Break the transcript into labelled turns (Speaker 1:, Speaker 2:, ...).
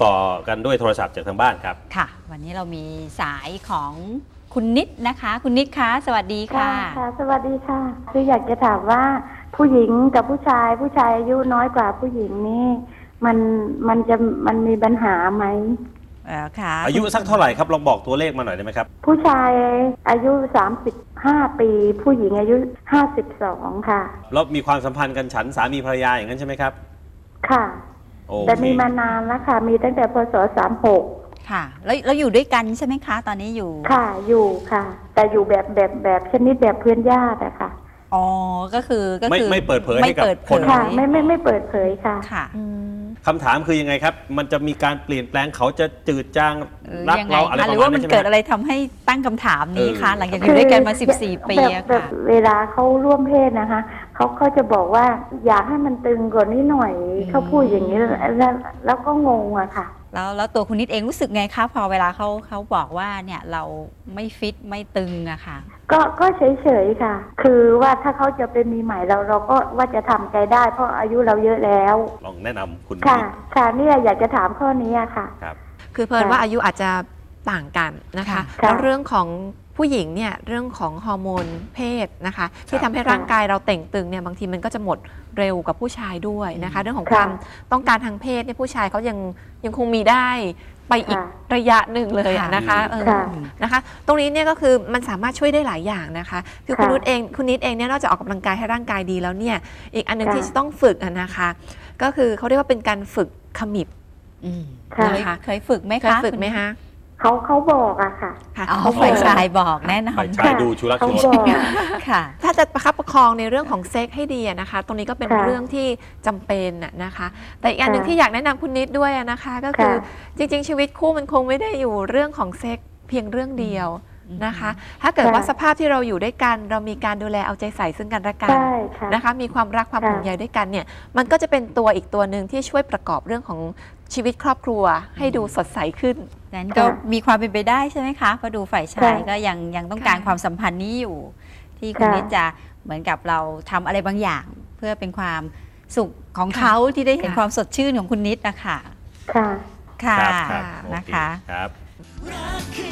Speaker 1: ต่อกันด้วยโทรศัพท์จากทางบ้านครับ
Speaker 2: ค่ะวันนี้เรามีสายของคุณนิดนะคะ คุณนิดคะสวัสดีค่ะ
Speaker 3: ค่ะสวัสดีค่ะคืออยากจะถามว่าผู้หญิงกับผู้ชายอายุน้อยกว่าผู้หญิงนี่มันมีปัญหาไหม
Speaker 2: ค่ะ
Speaker 1: อายุสักเท่าไหร่ครับลองบอกตัวเลขมาหน่อยได้ไหมครับ
Speaker 3: ผู้ชายอายุ35 ปีผู้หญิงอายุ52ค่ะ
Speaker 1: แล้วมีความสัมพันธ์กันฉันสามีภรรยาอย่างนั้นใช่ไหมครับ
Speaker 3: ค่ะ
Speaker 1: Okay.
Speaker 3: แต่มีมานานแล้วค่ะมีตั้งแต่พศ36
Speaker 2: ค่ะแล้วอยู่ด้วยกันใช่ไหมคะตอนนี้อยู่
Speaker 3: ค่ะอยู่ค่ะแต่อยู่แบบชนิดแบบเพื่อนญาติอะค่ะ
Speaker 2: อ๋อก็คือ
Speaker 1: ไม่เปิดเผยให้กับคน
Speaker 3: ค่ะไม่เปิดเผยค่ะ
Speaker 2: ค่ะ
Speaker 1: คำถามคือยังไงครับมันจะมีการเปลี่ยนแปลงเขาจะจืดจางรัก
Speaker 2: ยังไง
Speaker 1: เราอะไรประมาณนั้น
Speaker 2: หรือว่ามันเกิดอะไรทำให้ตั้งคำถามนี้คะหลังจากอยู่ด้วยกันมา14 ปีอะค่ะ
Speaker 3: เวลาเขาร่วมเพศนะคะเขาจะบอกว่าอยากให้มันตึงกว่านี้หน่อยเขาพูดอย่างนี้แล้วก็งงอะค่ะ
Speaker 2: แล้วตัวคุณนิดเองรู้สึกไงคะพอเวลาเขาบอกว่าเนี่ยเราไม่ฟิตไม่ตึงอะค่ะ
Speaker 3: ก็เฉยๆค่ะคือว่าถ้าเขาจะเป็นมีใหม่เราก็ว่าจะทำใจได้เพราะอายุเราเยอะแล้ว
Speaker 1: ลองแนะนำคุณ
Speaker 3: ค่ะเนี่ยอยากจะถามข้อนี้ค่ะ
Speaker 1: ครับ
Speaker 4: คือเพลินว่าอายุอาจจะต่างกันนะคะแล้วเรื่องของผู้หญิงเนี่ยเรื่องของฮอร์โมนเพศนะคะที่ทำให้ร่างกายเราเต่งตึงเนี่ยบางทีมันก็จะหมดเร็วกับผู้ชายด้วยนะคะเรื่องของความต้องการทางเพศเนี่ยผู้ชายเขายังคงมีได้ไปอีกระยะหนึ่งเลยนะคะนะคะตรงนี้เนี่ยก็คือมันสามารถช่วยได้หลายอย่างนะคะคือคุณนิดเองเนี่ยนอกจากออกกำลังกายให้ร่างกายดีแล้วเนี่ยอีกอันนึงที่จะต้องฝึกนะคะก็คือเขาเรียกว่าเป็นการฝึกขมิบ
Speaker 2: นะคะเคยฝึกไหมคะ
Speaker 4: ฝึกไหมคะ
Speaker 3: เขาบอกอะค่ะ
Speaker 2: เขาฝ่ายชายบอกแน่นอน
Speaker 1: ฝ่ายชายดูชุลักชุล
Speaker 2: ค่ะ
Speaker 4: ถ้าจะประคับประคองในเรื่องของเซ็กให้ดีนะคะตรงนี้ก็เป็นเรื่องที่จำเป็นนะคะแต่อีกอันหนึ่งที่อยากแนะนำคุณนิดด้วยนะคะก็คือจริงๆชีวิตคู่มันคงไม่ได้อยู่เรื่องของเซ็กเพียงเรื่องเดียวนะคะถ้าเกิดว่าสภาพที่เราอยู่ด้วยกันเรามีการดูแลเอาใจใส่ซึ่งกันและกันนะคะมีความรักความห่วงใยด้วยกันเนี่ยมันก็จะเป็นตัวอีกตัวหนึ่งที่ช่วยประกอบเรื่องของชีวิตครอบครัวให้ดูสดใสขึ้น
Speaker 2: นั้นก็มีความเป็นไปได้ใช่ไหมคะเพราะดูฝ่ายชายก็ยังต้องการความสัมพันธ์นี้อยู่ที่คุณนิดจะเหมือนกับเราทำอะไรบางอย่างเพื่อเป็นความสุขของเขาที่ได้เห็นความสดชื่นของคุณนิดนะคะ
Speaker 3: ค่ะ
Speaker 2: ค่ะนะคะ